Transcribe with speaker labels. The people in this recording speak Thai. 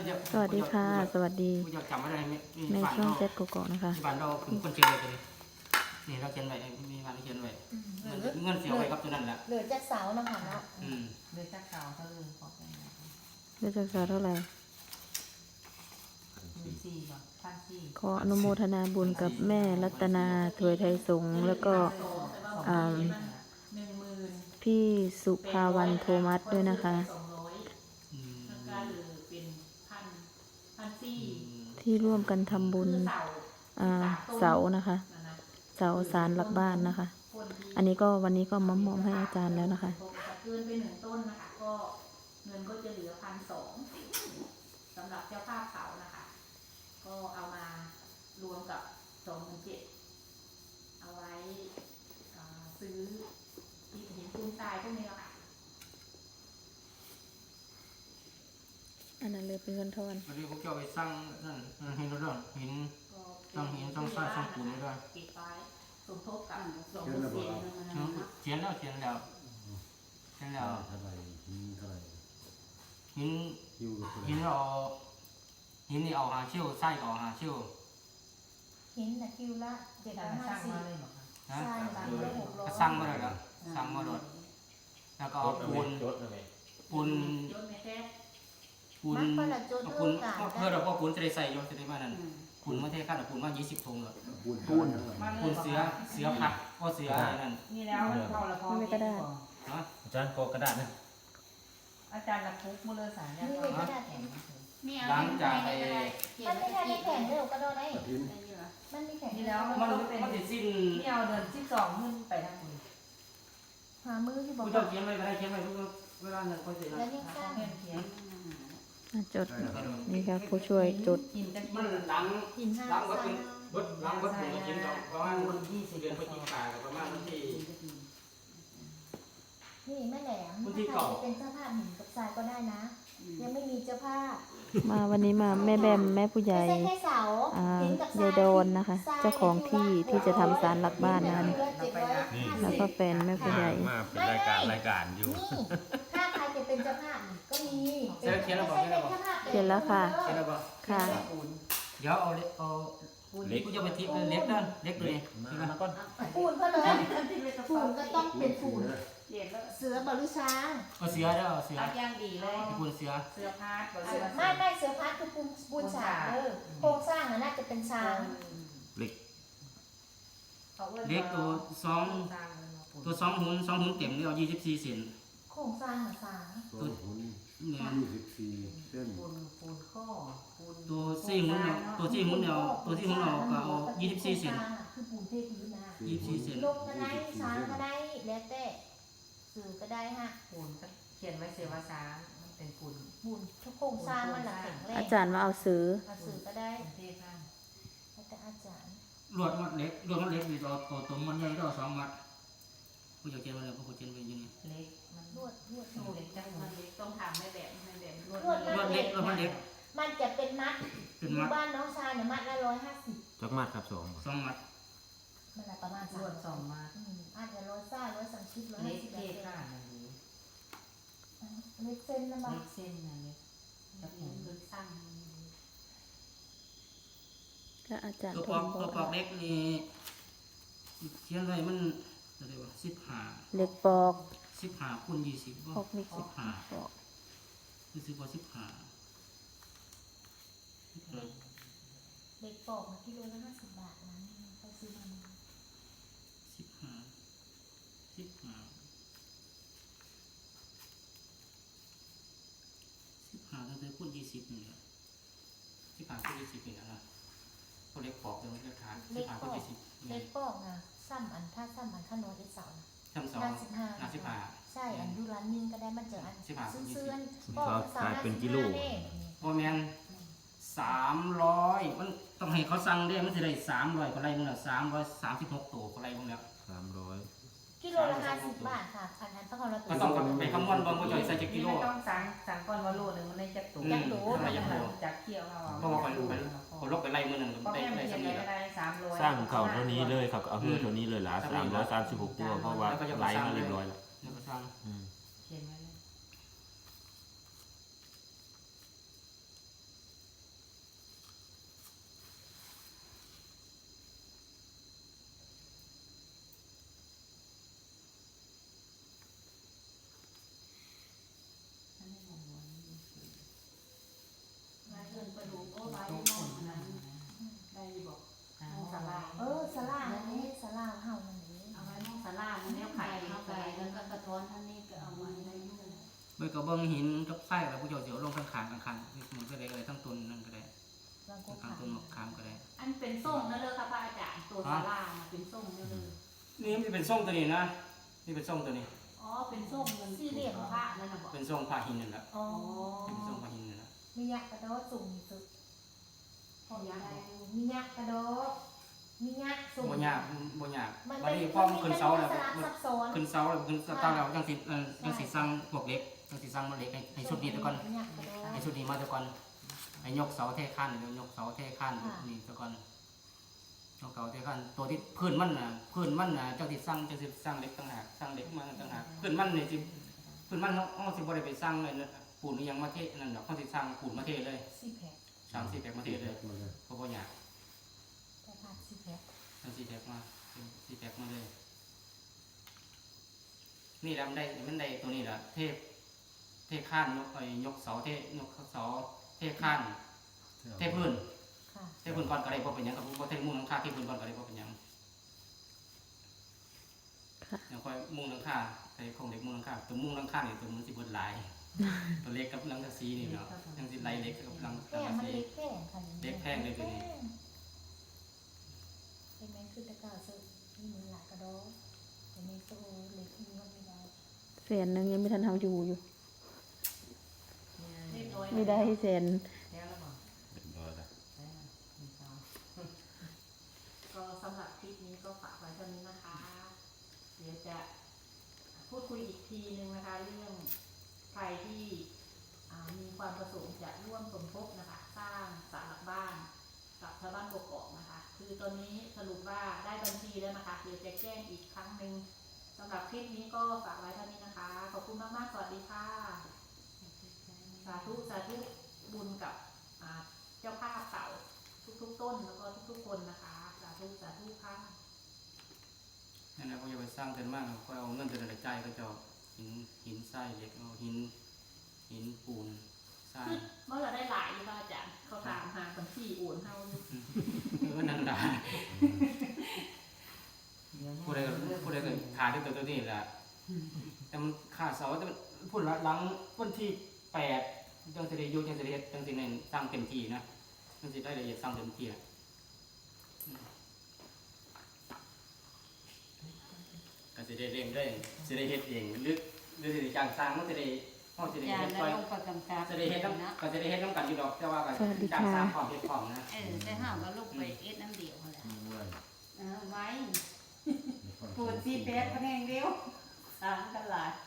Speaker 1: สวัสดีค่ะสวัสดีในช่องเจ็ดโกโก้นะคะ
Speaker 2: บ้านเราเป็นคนเชียงใหม่ตัวนี้นี่เราเชียงใหม่มีบ้านเชียงใหม่เงินเสียไว้กับตัวนั้นแหละ
Speaker 3: เหลือจากเสาเนาะค่ะเนาะ
Speaker 4: เหลือจากเก่าเท่าเดิมขอเป็นไง
Speaker 1: เดือนจากเท่าไหร่
Speaker 4: 1,400บ่1,400
Speaker 1: ขออนุโมทนาบุญกับแม่รัตนาถวยไทยสงฆ์แล้วก็พี่สุภาวันโทมัสด้วยนะคะที่ร่วมกันทำบุญเสานะคะเสาศาลหลักบ้านนะคะอันนี้ก็วันนี้ก็มามอบให้อาจารย์แล้วนะคะ
Speaker 5: เกินไป1 ต้นนะคะก็เงินก็จะเหลือ1,200สำหรับเจ้าภาพเสานะคะก็เอามารวมกับ27,000เอาไว้ซื้อที่หินปูนทรายพวกนี้แหละค่ะ
Speaker 1: อันนั้นเลยเป็นเงินทอน
Speaker 2: วันนี้พวกเจ้าไปสร้างนั่นหินร้อนหินสร้างหินสร้างทรายสร้างปูนด้วย
Speaker 5: ปิดไว้สมทบกับ
Speaker 2: เขียนแล้วหินเราหินนี่เอาหาเชี่ยวไส้เอาหาเชี่ยว
Speaker 3: หินนะคิวละ750
Speaker 4: สร้างมาเลย
Speaker 3: ใช่หลังละ600
Speaker 2: สร้างมาเลยสร้างมาเลยแล้วก็เอาปูนเพื่อเราก็ปูนจะได้ใส่ยศจะได้มานั่นปูนมาเทข้าวปูนว่า20 ถุงเลยปูนเสือผักก็เสือนั่น
Speaker 4: นี่แล้วพอละพอ
Speaker 1: ไม่กระดาษ
Speaker 6: อาจารย์กอกระดาษนะ
Speaker 4: อาจารย์ละคุกมือเลยสาร
Speaker 3: นี่เลยกระดาษแข็ง
Speaker 2: หลังจากไอ้
Speaker 3: มันไม่ใช่แข็งเด้อกระโดดได้มันมีแข็ง
Speaker 4: นี่แล้ว
Speaker 2: มันจะสิ้น
Speaker 4: นี่เอาเดือน12ขึ้นไปทางคุณ
Speaker 3: หามือที่บอก
Speaker 2: ผู้เจ้าเขียนไว้ก็ได้เขียนไว้เวลานั้นก็เสร็จ
Speaker 3: แล้วยังสร้าง
Speaker 4: เขียน
Speaker 1: จดนี่ครับผู้ช่วยจด
Speaker 2: มันหลังก็เป็นหลังก็เป็นกินประมาณ20 เดือนพฤศจิกายนประมาณที่
Speaker 3: นี่แม่แหลมถ้าใครจะเป็นเจ้าภาพหินกับทรายก็ได้นะยังไม่มีเจ้าภาพ
Speaker 1: มาวันนี้มาแม่แบมแม่ผู้ใหญ่ยายโดนนะคะเจ้าของที่จะทำศาลหลักบ้านนั้นแล้วก็แฟนแม่ผู้ใหญ่
Speaker 6: มาเป็นรายการอยู่
Speaker 3: ถ้าใครจะเป็นเจ้าภาพก็มี
Speaker 2: เขียนแล้วบอก
Speaker 1: เขียนแล้วค่ะค่ะ
Speaker 2: เดี๋ยวเอาเล็กกูจะไปทิพย์เล็กด้านเล็กเลยมาก่อน
Speaker 3: ปูนก็เลยปูนก็ต้องเป็นปูนเสือบริช้าง
Speaker 2: เสือเด้อเสื
Speaker 5: อย่างดีเลย
Speaker 2: ปูนเสือ
Speaker 5: พาร์ท
Speaker 3: ไม่เสือพาร์ทคือปูนฉากโครงสร้างน่าจะเป็นช้าง
Speaker 2: เล็กตัว2 หุ่นเต็มเลยเอา24 เซน
Speaker 3: โครงสร้างช้าง
Speaker 2: ตัว
Speaker 7: เนี่ย24 เส้น
Speaker 4: ปูนข้อ
Speaker 2: ตัว4 หุ่นตัว4 หุ่นก็เอา24 เซน
Speaker 3: คือปูนเทพื้นนะ
Speaker 2: 24 เซน
Speaker 3: ลงก็ได้ช้างก็ได้แล้วแต่สื่อก็ได้ฮะ
Speaker 4: ปูนเขียนไว้เสียว่าช้างมันเป็นปูน
Speaker 3: ทุกโครงสร้างมันหลักแข็งแรง
Speaker 1: อาจารย์มาเอาซื้อ
Speaker 3: ก็ได้
Speaker 4: แต่
Speaker 3: อาจารย์
Speaker 2: ลวดมัดเล็กมีตัวมันใหญ่ตัว2 มัดผู้จะเขียนไว้แล้วผู้เขียนไว้ยังไง
Speaker 4: เล็กมัน
Speaker 3: ลวด
Speaker 5: เล็กจังมันเล็กต้องทำให้แบบ
Speaker 2: ลวดเล็ก
Speaker 3: มันจะเป็นมัดบ้านน้องชายเนี่ยมัดละ150
Speaker 6: จักมัดครับ2
Speaker 2: มัด
Speaker 3: มันละประมาณ
Speaker 4: 2 มัด
Speaker 3: อาจจะ130
Speaker 4: เล็กเท่ค่ะ
Speaker 3: เล็กเส้นนะบ้าง
Speaker 4: เล็กเส้นนะเล็กกับผมเล็กสั้น
Speaker 1: ก็อาจารย์
Speaker 2: ตัวปอกเล็กนี่เขียนไว้มันอะไรวะ15
Speaker 1: เล็กปอก
Speaker 2: 15 คูณ 20บ่15รู้สึกว่า15
Speaker 3: เล็กปอกกิโลละ50 บาทนะไปซื้อมา
Speaker 2: ตั้งแต่คูณ 20นี่แหละ15 คูณ 20นี่แหละนะเขาเล็กปอกเลยมันจะขาด15 คูณ 20
Speaker 3: เล็กปอกนะซ้ำอันถ้าซ้ำอันขนมอีกเสา
Speaker 2: 55
Speaker 3: ใช่อันยูร้านนิ่งก็ได้มันเจออันซื้อ
Speaker 6: ปอกขายเป็นกิโล
Speaker 2: พอแมน300มันต้องให้เขาสั่งได้มันจะได้300กว่าไรมึงแล้ว336 ตัวกว่าไรมึงแล้ว
Speaker 6: 300
Speaker 3: กิโลละ50 บาทค่ะอันต้องเรา
Speaker 2: ก็ต้องไปคำนวณบางคนจะใส่จะกิโล
Speaker 4: ต้องสั่งก่อนว่าโลนึงมันได้จักตัวจากเคี่ยวเอา
Speaker 2: เพราะว่าคนลบไปไรมือหนึ่งได้สมี
Speaker 6: สร้างเขาเท่านี้เลยครับเอาเฮือเท่านี้เลยละ336 ตัวเพราะว่าไหลมาเรียบร้อยแล้ว
Speaker 4: เขียนไว้เลย
Speaker 3: สลาอันนี้สลาเฮามันนี้
Speaker 5: เอาไว้มองสารามันแนวไข่เข้าไปแล้วก็กระท้อนท่านนี้ก็เอาไว้ในนู่น
Speaker 2: เมื่อก็เบิ่งหินกับไส้แล้วผู้เจ้าเสียวลงข้างๆข้างๆมันก็ได้ก็ได้ทั้งต้นนั่นก็ได้
Speaker 3: แล้วก็
Speaker 2: ทั้งต้นมะขามก็ได้
Speaker 5: อันเป็นส้มนั่นเลยค่ะพระอาจารย์ตัวสาราเป็นส้มนั่นเลย
Speaker 2: นี่มันเป็นส้มตัวนี้นะนี่เป็นส้มตัวนี้
Speaker 5: อ๋อเป็นส้มเงินสี่เหลี่ยมพระนั่นน่ะบอก
Speaker 2: เป็นส้มผ้าหินนั่นแหละ
Speaker 3: อ๋อ
Speaker 2: เป็นส้มผ้าหินนั่นแหละ
Speaker 3: มียักษ์กระโดดสูงสุดพอได้มียักษ์กระโดดมียักษ์สูง
Speaker 2: บ่ยากบ่ยาก
Speaker 3: มัน
Speaker 2: วัน
Speaker 3: เป็น
Speaker 2: นี้พอมันขึ้นเสาแล้ว
Speaker 3: สลับซับซ้อน
Speaker 2: ขึ้นเสาแล้วขึ้นเสาแล้วจังสิสร้างพวกเล็กจังสิสร้างมาเล็กให้ชุดนี้ตะก่อน
Speaker 3: มียักษ์กระโดด
Speaker 2: ให้ชุดนี้มาตะก่อนให้ยกเสาเทข้านเดี๋ยวยกเสาเทข้านนี่ตะก่อนยกเสาเทข้านตัวที่พื้นมันน่ะเจ้าสิสร้างเล็กต่างหากสร้างเล็กมาต่างหากพื้นมันนี่สิพื้นมันเฮาสิบ่ได้ไปสร้างเลยนะปูนอีหยังมาเทนั่นดอกเฮาสิสร้างปูนมาเทเลย
Speaker 3: สี่แผล
Speaker 2: สร้าง4แพ็คมาเทเลยเพราะบ่ยาก
Speaker 3: แต่ผ่านสี่แผล
Speaker 2: สร้าง4แพ็คมา4แพ็คมาเลย นี่แหละมันได้ตัวนี้แหละเทข้านยกเสาเทข้านเทพื้น
Speaker 3: ค่ะ
Speaker 2: เทพื้นก่อนก็ได้บ่เป็นหยังกับบ่เทมุ้งหลังคาเทพื้นก่อนก็ได้บ่เป็นหยังอย่างค่อยมุ้งหลังคาใส่ของเล็กมุ้งหลังคาตัวมุ้งหลังคานี่ตัวมันสิเบิดหลาย ตัวเล็กกับหลังกะสีนี่เนาะยังสิไล่เล็กกับหลัง
Speaker 3: แป้ง
Speaker 2: กะ
Speaker 3: มัน
Speaker 2: สี
Speaker 3: เล็กแป้งค่ะ
Speaker 2: เล็กแพงเลยตัวนี้
Speaker 3: เห็นไหมคือตะกร้าซื้อมีมือหลายกระโดดแต่ในโซ่เล็กมีมันไม่ได้
Speaker 1: แสนหนึงยังไม่ทันทำอยู่
Speaker 5: เรียบร้อย
Speaker 1: ไม่ได้แสน
Speaker 4: แล้วแล้วบอก
Speaker 6: เรียบร้อยแล้ว
Speaker 4: มีสาว
Speaker 5: ก็สำหรับคลิปนี้ก็ฝากไว้เท่านี้นะคะ เดี๋ยวจะพูดคุยอีกทีนึงนะคะ เรื่องใครที่มีความประสงค์จะร่วมสมทบนะคะ สร้างศาลหลักบ้านกับชาวบ้านกกอกนะคะ คือตอนนี้สรุปว่าได้บัญชีแล้วนะคะ เดี๋ยวจะแจ้งอีกครั้งหนึ่งสำหรับคลิปนี้ก็ฝากไว้เท่านี้นะคะ ขอบคุณมากๆ สวัสดีค่ะ สาธุบุญกับเจ้าภาพเต่าทุกๆต้นแล้วก็ทุกๆคนนะคะ สาธุค่ะ
Speaker 2: นั่นแหละก็อย่าไปสร้างเกินมากก็เอาเงินแต่ละใจายก็จะหินทรายเหล็กเอาหินปูนทราย
Speaker 5: เมื่อเราได้หลายอยู่ค่ะอาจารย์เขาตามหาบัญชีโอนเฮาอยู่
Speaker 2: นั่นล่ะผู้ใดก็ทานด้วยตัวนี้แหละแต่มันขาดเสาแต่มันพูดหลังวันที่8จังสิได้อยู่จังสิได้เฮ็ดจังสิได้สร้างเต็มที่นะจังสิได้ละเอียดสร้างเต็มที่อ่ะก็สิได้เร่งได้สิได้เฮ็ดเองหรือสิได้จ้างสร้างมันสิได้เฮาสิได้
Speaker 4: ยา
Speaker 2: เฮ็ด
Speaker 4: แล้ว
Speaker 2: ค่อย
Speaker 4: ลงประกำกับ
Speaker 2: จะได้เฮ็ดน้ำก็จะได้เฮ็ดน้ำกันอยู่ดอกแต่ว่าก็
Speaker 1: สวัสดี
Speaker 2: จ้าง
Speaker 1: ค่ะ
Speaker 2: สร้างความเฮ็ดความนะ
Speaker 4: แต่ห้ามก็ลงไปเอ็ดน้ำเดียวแหละ
Speaker 7: ไว้
Speaker 4: ไว้ปูนซีเป๊ะก็แห้งเดียวสามกันหลาย